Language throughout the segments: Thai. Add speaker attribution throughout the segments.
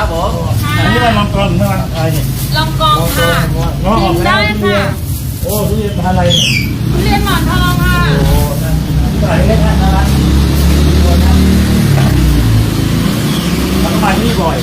Speaker 1: ครับผม
Speaker 2: อันนี้มันลองกรองหรือมันอะไรเนี่ย
Speaker 3: ลองกองค่ะ
Speaker 2: ลองออก
Speaker 3: ได้ค่ะ
Speaker 2: โอ้ทุเรียนพันธุ์อะไรเนี่ย
Speaker 3: ทุเรียนหมอนทองค่ะ
Speaker 2: โอ้น่ากินที่ไหนเล็กนะร้านแล้วก็มาที่นี่บ่อย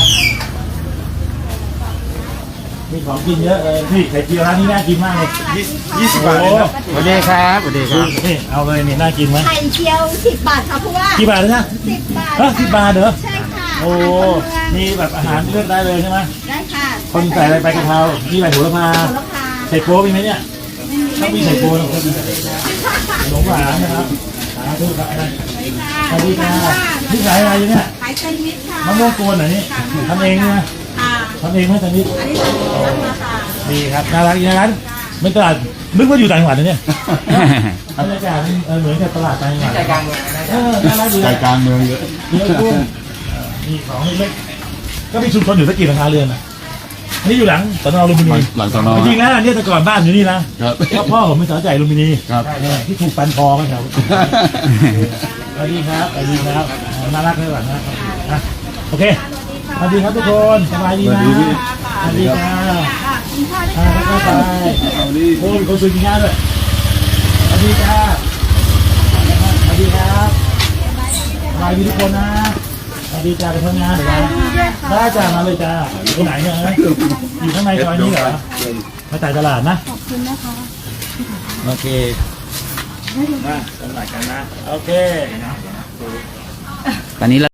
Speaker 2: มีของกินเยอะเลยนี่ไข่เจียวร้านนี้น่ากินมากเลย
Speaker 1: 20 บาทเลยนะสวัสดีครับสวัสดีครับ
Speaker 2: นี่เอาเลยนี่น่ากินไหม
Speaker 4: ไข่เจียว10 บาทค่ะเพราะว่า
Speaker 2: กี่บาทเลยนะ
Speaker 4: 10 บาท
Speaker 2: 10 บาทเหรอ
Speaker 4: ใช่ค่ะ
Speaker 2: โอ้มีแบบอาหารเลือกได้เลยใช่ไหม
Speaker 4: ได้ค่ะ
Speaker 2: คนใส่อะไรไปกะเพรามีใบโหระพา
Speaker 4: โหระพา
Speaker 2: ใส่โป๊มีไหมเนี่ยถ้ามีใส่โป๊ต้องมีขนมหวานนะครับสาธุครับสวัสดีค่ะที่ขายอะไรอยู่เนี่ย
Speaker 4: ขายแซนด์วิชค่ะ
Speaker 2: มะม่วงกวนเหรอนี่ทำเองนะ
Speaker 4: ค่ะ
Speaker 2: ทำเองไหมตอนนี้
Speaker 4: อันนี้สั่งมาค่ะ
Speaker 2: ดีครับน่ารักอย่างนั้นไม่ตลาดนึกว่าอยู่ต่างจังหวัดนะเนี่ยบรรยากาศเหมือนกับตลาดต่างจังหวัด
Speaker 1: ใจกลางเมืองนะ
Speaker 2: น่ารักดี
Speaker 5: ใจกลางเมืองเยอะ
Speaker 2: เยอะกุ้งมีของเล็กๆก็มีชุมชนอยู่สักกี่หลังคาเรือนอ่ะอันนี้อยู่หลังสนลุมพินี
Speaker 5: หลังสน
Speaker 2: จริงๆนะเนี่ยแต่ก่อนบ้านอยู่นี่นะครับ ก็พ่อผมเป็นสาวใจลุมพินี
Speaker 5: ครับ
Speaker 2: เนี่ยที่ถูกฟันคอกันแถวสวัสดีครับสวัสดีครับน่ารักเลยหลังนะโอเคสวัสดีครับทุกคนสบายดีนะสวัสดีครับแล้วก็ไปโอ้ยคนสวยจริงๆด้วยสวัสดีครับสวัสดีครับสบายดีทุกคนนะสวัสดีจ้าไปทำงานเดี๋ยวนะได้จ้ามาเลยจ้าอยู่ไหนเนี่ยอยู่ข้างในซอยนี้เหรอมาจ่ายตลาดนะขอบคุณนะคะโอเคมาตลาดกันนะโอเค
Speaker 1: ตอนนี้